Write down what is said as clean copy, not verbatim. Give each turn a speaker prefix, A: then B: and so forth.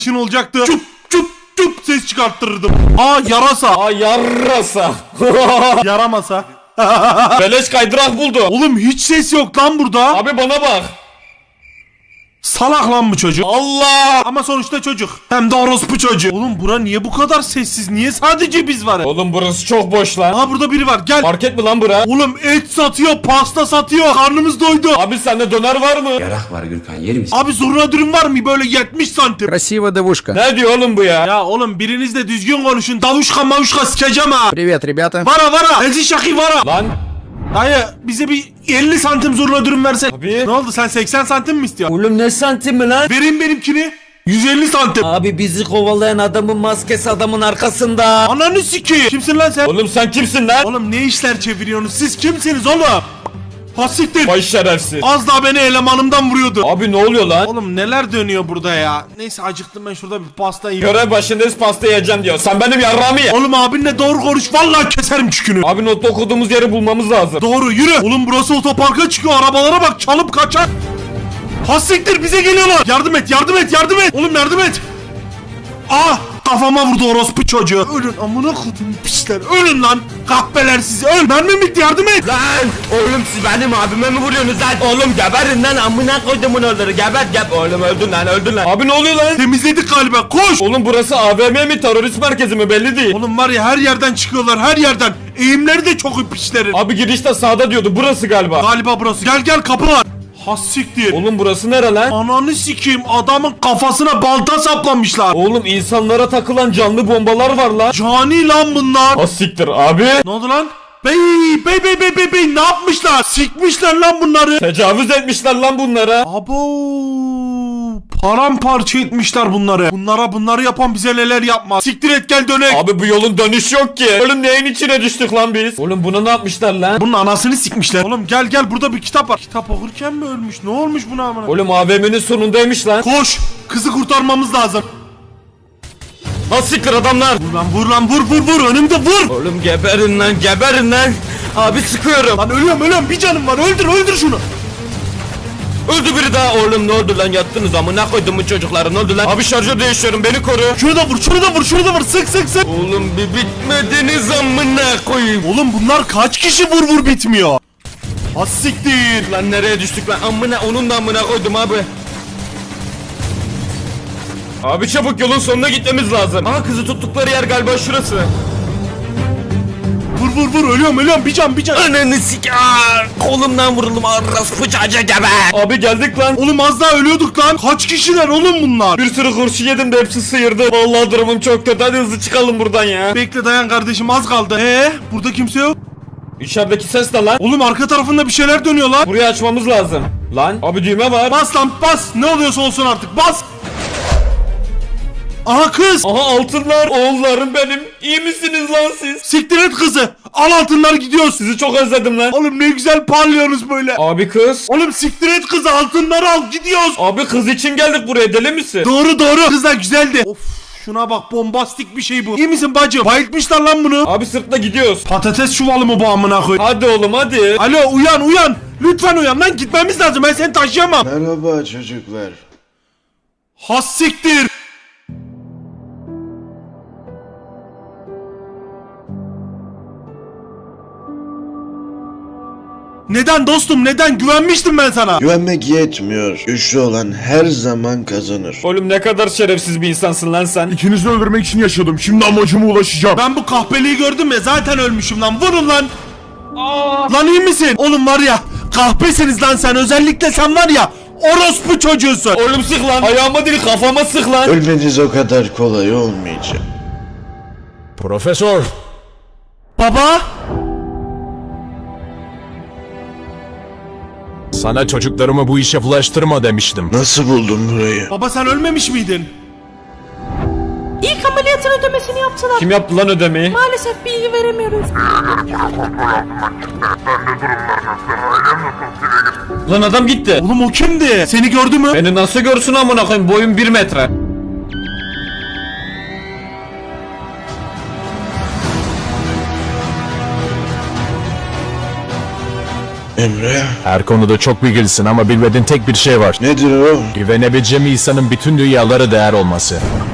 A: için olacaktı. Çup çup çup ses çıkarttırırdım. Aa yarasa.
B: Aa yarrasa.
A: Yaramasa.
B: Beleş kaydırak buldu.
A: Oğlum hiç ses yok lan burada.
B: Abi bana bak.
A: Salak lan bu çocuk.
B: Allah.
A: Ama sonuçta çocuk. Hem de orospu çocuğu. Oğlum bura niye bu kadar sessiz? Niye sadece biz varız?
B: Oğlum burası çok boş lan.
A: Aha burada biri var. Gel.
B: Market mi lan bura?
A: Oğlum et satıyor, pasta satıyor. Karnımız doydu.
B: Abi sende döner var mı?
C: Yarak var Gürkan, yer misin?
A: Abi zurna dürüm var mı? Böyle 70 santim.
D: Красивая девушка.
B: Ne diyor oğlum bu ya?
A: Ya oğlum biriniz de düzgün konuşun. Davuşka mavuşka sikeceğim ha.
D: Привет, rебята.
A: Vara. Ezi şaki vara.
B: Lan.
A: Dayı bize bir 50 santim zurna dürüm versen.
B: Abi.
A: Ne oldu sen 80 santim mi istiyorsun?
E: Oğlum ne santimi lan?
A: Vereyim benimkini. 150 santim.
E: Abi bizi kovalayan adamın maskesi adamın arkasında.
A: Ananı sikeyim. Kimsin lan sen?
B: Oğlum sen kimsin lan?
A: Oğlum ne işler çeviriyorsunuz? Siz kimsiniz oğlum? Ha siktir.
B: Baş şerefsiz.
A: Az daha beni elemanımdan vuruyordu.
B: Abi ne oluyor lan?
A: Oğlum neler dönüyor burada ya? Neyse acıktım ben şurada bir pasta yiyeyim.
B: Görev başındayız pasta yiyeceğim diyor. Sen benim yarrağımı ye.
A: Oğlum abinle doğru konuş. Vallahi keserim çükünü.
B: Abi notta okuduğumuz yeri bulmamız lazım.
A: Doğru yürü. Oğlum burası otoparka çıkıyor. Arabalara bak çalıp kaçar. Ha siktir bize geliyorlar. Yardım et. Oğlum yardım et. Ah kafama vurdu orospu çocuğu. Ölün amına kodum pisler. Ölün lan. Kahpeler sizi. Öl. Mermim bitti yardım et.
E: Lan oğlum siz benim abime mi vuruyorsunuz lan? Oğlum geberin lan amına koydumun onları geber. Oğlum öldün lan.
B: Abi ne oluyor lan?
A: Temizledik galiba. Koş.
B: Oğlum burası AVM mi terörist merkezi mi belli değil.
A: Oğlum var ya her yerden çıkıyorlar her yerden. Eğimleri de çok ipişlerin.
B: Abi girişte sağda diyordu burası galiba.
A: Galiba burası. Gel kapı var. Ha siktir.
B: Oğlum burası nere lan?
A: Ananı sikeyim adamın kafasına balta saplamışlar.
B: Oğlum insanlara takılan canlı bombalar var lan.
A: Cani lan bunlar.
B: Ha siktir abi.
A: Ne oldu lan? Bey ne yapmışlar? Sikmişler lan bunları.
B: Tecavüz etmişler lan bunlara.
A: Abo paramparça etmişler bunları. Bunları yapan bize neler yapmaz. Siktir et gel dönek.
B: Abi bu yolun dönüş yok ki. Oğlum neyin içine düştük lan biz? Oğlum buna ne yapmışlar lan?
A: Bunun anasını sikmişler. Oğlum gel burada bir kitap var. Kitap okurken mi ölmüş? Ne olmuş buna amına?
B: Oğlum AVM'nin sonundaymış lan.
A: Koş. Kızı kurtarmamız lazım.
B: Ha siktir adamlar.
A: Vur lan vur önümde vur.
E: Oğlum geberin lan. Abi sıkıyorum.
A: Lan ölüyorum bir canım var öldür şunu.
E: Öldü biri daha oğlum ne oldu lan yattınız amına koydumun çocukları ne oldu lan?
B: Abi şarjör değişiyorum beni koru.
A: Şunu da vur sık.
E: Oğlum bir bitmediniz amına koyayım.
A: Oğlum bunlar kaç kişi vur bitmiyor. Ha siktir.
E: Lan nereye düştük lan amına onun da amına koydum abi.
B: Abi çabuk yolun sonuna gitmemiz lazım.
E: Aha kızı tuttukları yer galiba şurası.
A: Vur ölüyorum bir can.
E: Ananı sik kolumdan vuruldum arras bıçaca geber.
B: Abi geldik lan.
A: Oğlum az daha ölüyorduk lan. Kaç kişiler oğlum bunlar?
B: Bir sürü kurşun yedim de hepsi sıyırdı. Vallahi durumum çok kötü. Hadi hızlı çıkalım buradan ya.
A: Bekle dayan kardeşim az kaldı. Burada kimse yok.
B: İçerideki ses ne lan?
A: Oğlum arka tarafında bir şeyler dönüyor lan.
B: Burayı açmamız lazım. Lan abi düğme var.
A: Bas lan bas. Ne oluyorsa olsun artık bas. Aha kız.
B: Aha altınlar. Oğullarım benim. İyi misiniz lan siz?
A: Siktir et kızı. Al altınlar gidiyoruz.
B: Sizi çok özledim lan.
A: Oğlum ne güzel parlıyorsunuz böyle.
B: Abi kız.
A: Oğlum siktir et kızı altınları al gidiyoruz.
B: Abi kız için geldik buraya deli misin?
A: Doğru. Kızlar güzeldi. Of şuna bak bombastik bir şey bu. İyi misin bacım? Bayıltmışlar lan bunu.
B: Abi sırtla gidiyoruz.
A: Patates çuvalı mı bu amına koy?
B: Hadi oğlum hadi.
A: Alo uyan. Lütfen uyan lan gitmemiz lazım ben seni taşıyamam.
F: Merhaba çocuklar.
A: Has siktir. Neden dostum neden güvenmiştim ben sana.
F: Güvenmek yetmiyor. Güçlü olan her zaman kazanır.
B: Oğlum ne kadar şerefsiz bir insansın lan sen.
A: İkinizi öldürmek için yaşadım. Şimdi amacıma ulaşacağım. Ben bu kahpeliği gördüm ya zaten ölmüşüm lan. Vurun lan. Lan iyi misin? Oğlum var ya kahpesiniz lan sen. Özellikle sen var ya orospu çocuğusun.
B: Oğlum sık lan. Ayağıma değil kafama sık lan.
F: Ölmeniz o kadar kolay olmayacak.
D: Profesör.
A: Baba.
D: Sana çocuklarımı bu işe bulaştırma demiştim.
F: Nasıl buldun burayı?
A: Baba sen ölmemiş miydin?
G: İlk ameliyatın ödemesini yaptılar.
B: Kim yaptı lan ödemeyi?
G: Maalesef bilgi veremiyoruz.
B: Lan adam gitti.
A: Oğlum o kimdi? Seni gördü mü?
B: Beni nasıl görsün amına koyayım boyum 1 metre.
F: Emre,
D: Her konuda çok bilgilisin ama bilmediğin tek bir şey var.
F: nedir o?
D: Güvenebileceğim insanın bütün dünyaları değer olması.